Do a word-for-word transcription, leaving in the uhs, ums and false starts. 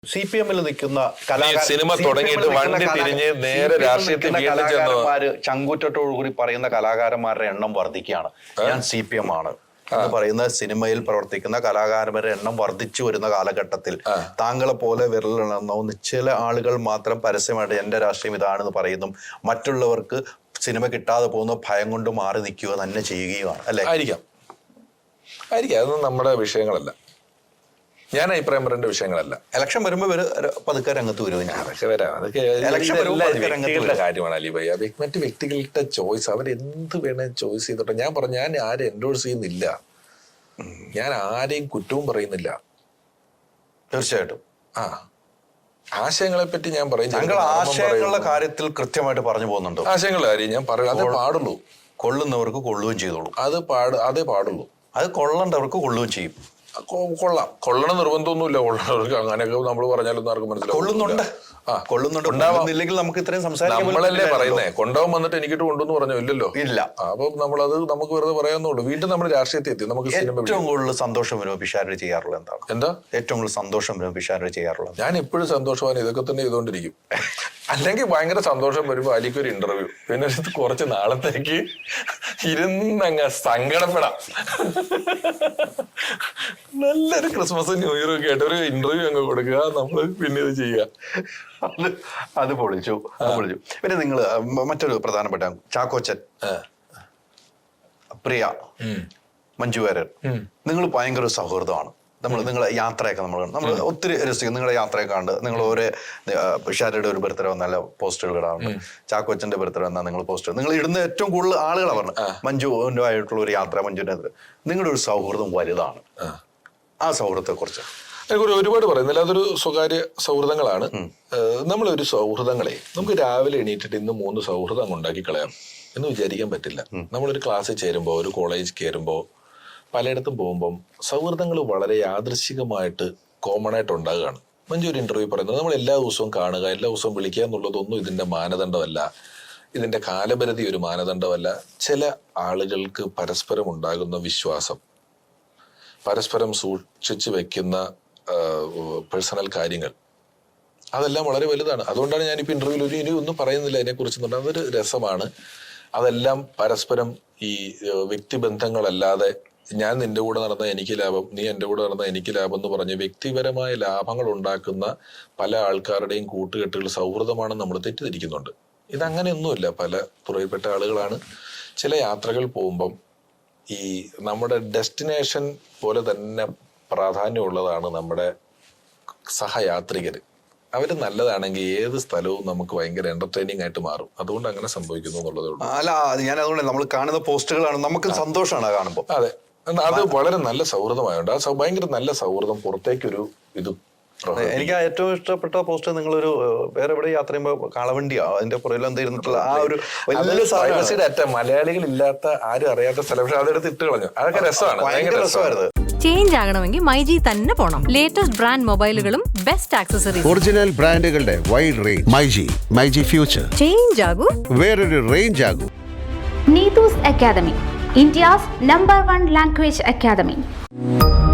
C P എമ്മിൽ നിൽക്കുന്ന cinema തുടങ്ങിയിട്ട് വണ്ടി തിരിഞ്ഞ് നേരെ രാഷ്ട്രീയത്തിൽ കലാകാരന്മാര് ചങ്കൂറ്റത്തോടുകൂടി പറയുന്ന കലാകാരന്മാരുടെ എണ്ണം വർദ്ധിക്കുകയാണ്. ഞാൻ സി പി എം ആണ് എന്ന് പറയുന്ന സിനിമയിൽ പ്രവർത്തിക്കുന്ന കലാകാരന്മാരുടെ എണ്ണം വർദ്ധിച്ചു വരുന്ന കാലഘട്ടത്തിൽ താങ്കളെ പോലെ വിരലെണ്ണാവുന്ന ചില ആളുകൾ മാത്രം പരസ്യമായിട്ട് എന്റെ രാഷ്ട്രീയം ഇതാണെന്ന് പറയുന്നു, മറ്റുള്ളവർക്ക് സിനിമ കിട്ടാതെ പോകുന്ന ഭയം കൊണ്ട് മാറി നിൽക്കുക തന്നെ ചെയ്യുകയുമാണ് അല്ലെ? ആയിരിക്കാം ആയിരിക്കാം അതൊന്നും നമ്മുടെ വിഷയങ്ങളല്ല. ഞാൻ അഭിപ്രായം പറയേണ്ട വിഷയങ്ങളല്ല. ഇലക്ഷൻ വരുമ്പോ പതുക്കെ രംഗത്ത് വരും. അതൊക്കെ വരാം. അതൊക്കെ വ്യക്തികളുടെ കാര്യമാണ് അലി ഭയ്യ. മറ്റു വ്യക്തികളുടെ ചോയ്സ്, അവർ എന്ത് വേണേ ചോയ്സ് ചെയ്തോട്ടെ. ഞാൻ പറഞ്ഞു, ഞാൻ ആരും എൻഡോഴ്സ് ചെയ്യുന്നില്ല, ഞാൻ ആരെയും കുറ്റവും പറയുന്നില്ല. തീർച്ചയായിട്ടും ആ ആശയങ്ങളെ പറ്റി ഞാൻ പറയും. ഞങ്ങൾ ആശയങ്ങളുടെ കാര്യത്തിൽ കൃത്യമായിട്ട് പറഞ്ഞു പോകുന്നുണ്ട്. ആശയങ്ങളുടെ കാര്യം ഞാൻ പറയും, അതേ പാടുള്ളൂ. കൊള്ളുന്നവർക്ക് കൊള്ളുകയും ചെയ്തോളൂ. അത് പാട് അതേ പാടുള്ളൂ. അത് കൊള്ളേണ്ടവർക്ക് കൊള്ളുകയും ചെയ്യും. കൊള്ളാം, കൊള്ളണം നിർബന്ധമൊന്നുമില്ല. കൊള്ളണവർക്ക് അങ്ങനെയൊക്കെ നമ്മൾ പറഞ്ഞാലൊന്നും ആർക്കും മനസ്സിലാവും. കൊള്ളുന്നുണ്ട് ആ കൊള്ളുന്നുണ്ട് നമുക്ക് ഇത്രയും സംസാരിക്കാൻ നമ്മളല്ലേ പറയുന്നേ. കൊണ്ടാവും വന്നിട്ട് എനിക്കിട്ട് കൊണ്ടുവന്ന് പറഞ്ഞോ? ഇല്ലല്ലോ, ഇല്ല. അപ്പൊ നമ്മളത് നമുക്ക് വെറുതെ പറയാന്നുള്ളൂ. വീണ്ടും നമ്മൾ രാഷ്ട്രീയത്തിൽ എത്തി. നമുക്ക് ഏറ്റവും കൂടുതൽ സന്തോഷം വരുമ്പോൾ പിഷാരടി ചെയ്യാറുള്ളത് എന്താണ്? എന്താ ഏറ്റവും കൂടുതൽ സന്തോഷം വരുമ്പോൾ പിഷാരടി ചെയ്യാറുള്ളത്? ഞാൻ എപ്പോഴും സന്തോഷമാണ്, ഇതൊക്കെ തന്നെ ചെയ്തുകൊണ്ടിരിക്കും. അല്ലെങ്കിൽ ഭയങ്കര സന്തോഷം വരുമ്പോ അലിക്ക് ഒരു ഇന്റർവ്യൂ, പിന്നെ കുറച്ച് നാളത്തേക്ക് ഇരുന്നങ്ങ് സങ്കടപ്പെടാം. നല്ലൊരു ക്രിസ്മസ് ന്യൂ ഇയർ ഒക്കെ ആയിട്ട് ഒരു ഇന്റർവ്യൂ അങ്ങ് കൊടുക്കുക, നമ്മൾ പിന്നെ ഇത് ചെയ്യുക. അത് അത് പൊളിച്ചു പൊളിച്ചു പിന്നെ നിങ്ങള് മറ്റൊരു പ്രധാനപ്പെട്ട ചാക്കോച്ചൻ, പ്രിയ, മഞ്ജു വാര്യർ, നിങ്ങൾ ഭയങ്കര സൗഹൃദമാണ്. നമ്മൾ നിങ്ങളെ യാത്രയൊക്കെ നമ്മൾ നമ്മൾ ഒത്തിരി രസിക്കും. നിങ്ങളുടെ യാത്രയൊക്കെ ഉണ്ട്. നിങ്ങൾ ഒരു പിഷാരയുടെ ഒരു ബർത്ത്ഡേ വന്നാൽ പോസ്റ്റുകൾ ഇടാറുണ്ട്. ചാക്കോച്ചന്റെ ബർത്ത്ഡേ വന്നാൽ നിങ്ങൾ പോസ്റ്റ് നിങ്ങൾ ഇടുന്ന ഏറ്റവും കൂടുതൽ ആളുകളാണ് പറഞ്ഞു. മഞ്ജുവിൻ്റെ ആയിട്ടുള്ള ഒരു യാത്ര, മഞ്ജുവിൻ്റെ നിങ്ങളുടെ ഒരു സൗഹൃദം വലുതാണ്. ആ സൗഹൃദത്തെ കുറിച്ച് ഒരു ഒരുപാട് പറയുന്നില്ല. അതൊരു സ്വകാര്യ സൗഹൃദങ്ങളാണ്. നമ്മളൊരു സൗഹൃദങ്ങളെ നമുക്ക് രാവിലെ എണീറ്റിട്ട് ഇന്ന് മൂന്ന് സൗഹൃദം അങ്ങ് ഉണ്ടാക്കി കളയാം എന്ന് വിചാരിക്കാൻ പറ്റില്ല. നമ്മളൊരു ക്ലാസ്സിൽ ചേരുമ്പോൾ, ഒരു കോളേജ് കയറുമ്പോൾ, പലയിടത്തും പോകുമ്പം സൗഹൃദങ്ങൾ വളരെ യാദൃശ്ചികമായിട്ട് കോമൺ ആയിട്ട് ഉണ്ടാകുകയാണ്. മഞ്ജു ഒരു ഇന്റർവ്യൂ പറയുന്നത് നമ്മൾ എല്ലാ ദിവസവും കാണുക, എല്ലാ ദിവസവും വിളിക്കുക എന്നുള്ളതൊന്നും ഇതിന്റെ മാനദണ്ഡമല്ല, ഇതിന്റെ കാലപരിധി ഒരു മാനദണ്ഡമല്ല. ചില ആളുകൾക്ക് പരസ്പരം ഉണ്ടാകുന്ന വിശ്വാസം, പരസ്പരം സൂക്ഷിച്ചു വെക്കുന്ന പേഴ്സണൽ കാര്യങ്ങൾ, അതെല്ലാം വളരെ വലുതാണ്. അതുകൊണ്ടാണ് ഞാനിപ്പോൾ ഇന്റർവ്യൂവിൽ ഒരു ഇനി ഒന്നും പറയുന്നില്ല അതിനെക്കുറിച്ച്. അതൊരു രസമാണ്. അതെല്ലാം പരസ്പരം ഈ വ്യക്തിബന്ധങ്ങളല്ലാതെ ഞാൻ നിന്റെ കൂടെ നടന്ന എനിക്ക് ലാഭം, നീ എൻ്റെ കൂടെ നടന്ന എനിക്ക് ലാഭം എന്ന് പറഞ്ഞ് വ്യക്തിപരമായ ലാഭങ്ങൾ ഉണ്ടാക്കുന്ന പല ആൾക്കാരുടെയും കൂട്ടുകെട്ടുകൾ സൗഹൃദമാണെന്ന് നമ്മൾ തെറ്റിദ്ധരിക്കുന്നുണ്ട്. ഇതങ്ങനെയൊന്നുമില്ല. പല തുറയിൽപ്പെട്ട ആളുകളാണ്. ചില യാത്രകൾ പോകുമ്പം ഈ നമ്മുടെ ഡെസ്റ്റിനേഷൻ പോലെ തന്നെ പ്രാധാന്യമുള്ളതാണ് നമ്മുടെ സഹയാത്രികർ. അവർ നല്ലതാണെങ്കിൽ ഏത് സ്ഥലവും നമുക്ക് ഭയങ്കര എന്റർടൈനിങ് ആയിട്ട് മാറും. അതുകൊണ്ട് അങ്ങനെ സംഭവിക്കുന്നു എന്നുള്ളതേ ഉള്ളൂ. അല്ല, ഞാൻ അതുകൊണ്ട് നമ്മൾ കാണുന്ന പോസ്റ്റുകളാണ് നമുക്ക് സന്തോഷമാണ് കാണുമ്പോൾ. അതെ, അത് വളരെ നല്ല സൗഹൃദമായുണ്ട്. ആ ഭയങ്കര നല്ല സൗഹൃദം പുറത്തേക്കൊരു ഇത്. എനിക്ക് ഏറ്റവും ഇഷ്ടപ്പെട്ട പോസ്റ്റ് നിങ്ങളൊരു വേറെ എവിടെ യാത്ര ചെയ്യുമ്പോൾ കാളവണ്ടിയാ അതിന്റെ പുറകിൽ എന്തായിരുന്നിട്ടുള്ള ആ ഒരു വലിയ ഡാറ്റ മലയാളികൾ ഇല്ലാത്ത ആരും അറിയാത്ത സ്ഥലം, പക്ഷെ അതെടുത്ത് ഇട്ട് കളഞ്ഞു. അതൊക്കെ രസമാണ്, ഭയങ്കര രസമായിരുന്നു. ചേഞ്ച് ആകണമെങ്കിൽ മൈജി തന്നെ പോണം. ലേറ്റസ്റ്റ് ബ്രാൻഡ് മൊബൈലുകളും ബെസ്റ്റ് ആക്സസറീസ്, ഒറിജിനൽ ബ്രാൻഡുകളുടെ wide range. MyG myG future. Change ആകൂ, വേറൊരു റേഞ്ച് ആകൂ. Neetu's Academy, India's number one language academy.